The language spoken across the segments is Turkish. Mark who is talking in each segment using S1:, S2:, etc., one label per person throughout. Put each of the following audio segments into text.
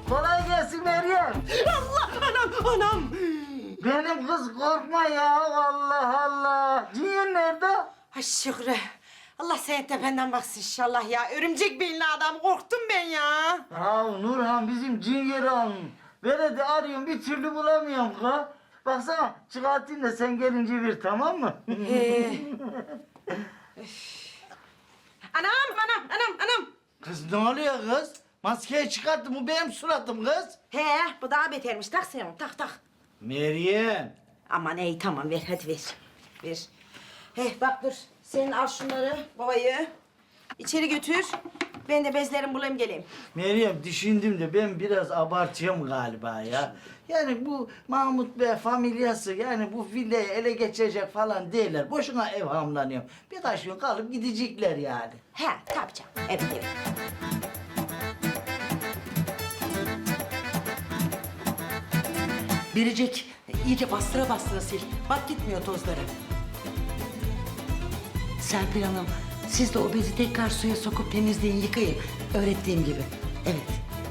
S1: Kolay gelsin Meryem.
S2: Allah anam.
S1: Benim kız korkma ya Allah Allah. Cihan nerede?
S2: Ay Şükrü. Allah senin tependen baksın inşallah ya. Örümcek belli adam. Korktum ben ya.
S1: Ya Nurhan bizim Cihan'ı alın. Böyle de arıyorum bir türlü bulamıyorum ka. Baksana çıkartayım da sen gelince bir tamam mı?
S2: Anam.
S1: Kız ne oluyor kız? Maskeyi çıkarttım bu benim suratım kız.
S2: He bu daha betermiş. Tak sen onu tak.
S1: Meryem.
S2: Aman iyi tamam ver hadi ver. Bak dur. Sen al şunları babayı. İçeri götür. Ben de bezlerimi bulayım geleyim.
S1: Meryem düşündüm de ben biraz abartıyorum galiba ya. Yani bu Mahmut Bey familyası yani bu villayı ele geçirecek falan değiller. Boşuna evhamlanıyorum. Birkaç gün kalıp gidecekler yani.
S2: He tabii canım. Evet.
S3: Biricik, iyice bastıra sil. Bak gitmiyor tozları. Serpil Hanım, siz de o bezi tekrar suya sokup temizleyin, yıkayın. Öğrettiğim gibi. Evet.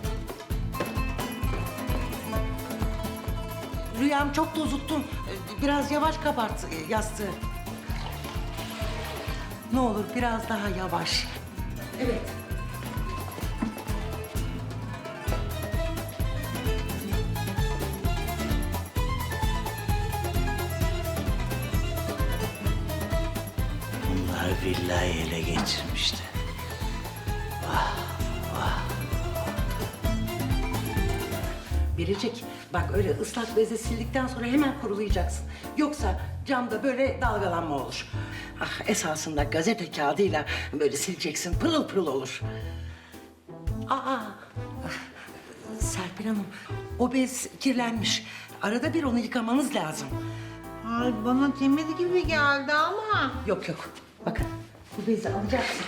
S3: Rüyam çok tozuttun. Biraz yavaş kabart yastığı. Ne olur biraz daha yavaş. Evet.
S1: Bunlar villayı ele geçirmişti.
S3: Biricik, bak öyle ıslak bezle sildikten sonra hemen kurulayacaksın. Yoksa camda böyle dalgalanma olur. Ah, esasında gazete kağıdıyla böyle sileceksin, pırıl pırıl olur. Aa, Serpil Hanım, o bez kirlenmiş. Arada bir onu yıkamanız lazım.
S4: Ay bana temiz gibi geldi ama.
S3: Yok, bakın bu bezi alacaksın.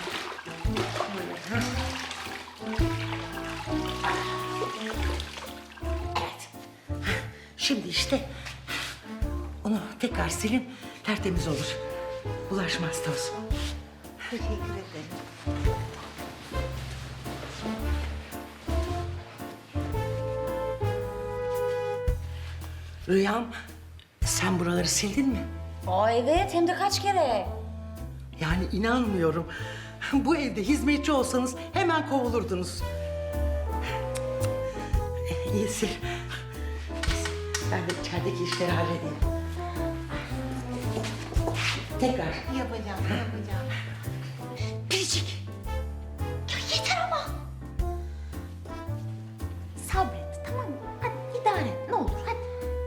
S3: Evet. Şimdi işte onu tekrar silin, tertemiz olur. Bulaşmaz toz.
S4: Teşekkür ederim.
S3: Rüyam, sen buraları sildin mi?
S5: Aa evet, hem de kaç kere.
S3: Yani inanmıyorum. Bu evde hizmetçi olsanız hemen kovulurdunuz. İyi sil. Ben de içerideki işleri halledeyim. Tekrar.
S4: Yapacağım.
S5: Biricik. Ya yeter ama. Sabret, tamam mı? Hadi idare et, ne olur hadi.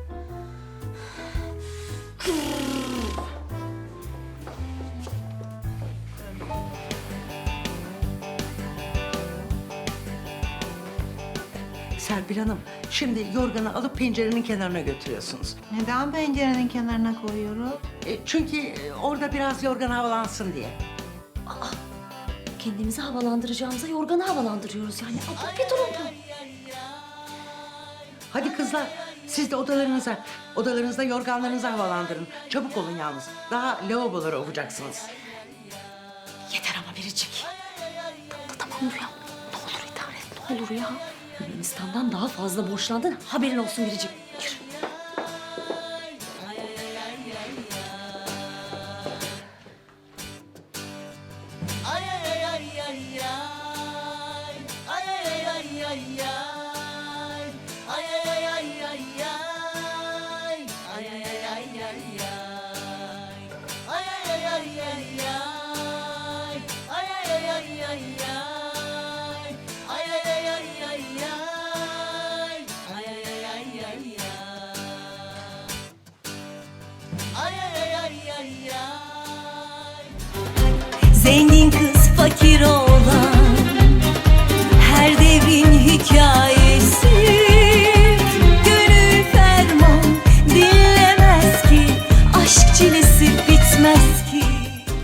S3: Serpil Hanım, şimdi yorganı alıp pencerenin kenarına götürüyorsunuz.
S4: Neden pencerenin kenarına koyuyoruz?
S3: Çünkü orada biraz yorgan havalansın diye.
S5: Kendimizi havalandıracağımıza yorganı havalandırıyoruz yani. Abla bir durun bu.
S3: Hadi kızlar, siz de odalarınızda yorganlarınızı havalandırın. Çabuk olun yalnız. Daha lavaboları ovacaksınız.
S5: Yeter ama Biricik. Tamam Rüya. Ne olur idare et, ne olur ya. Yunanistan'dan daha fazla borçlandın. Haberin olsun Biricik. Yürü.
S6: Zengin kız fakir ol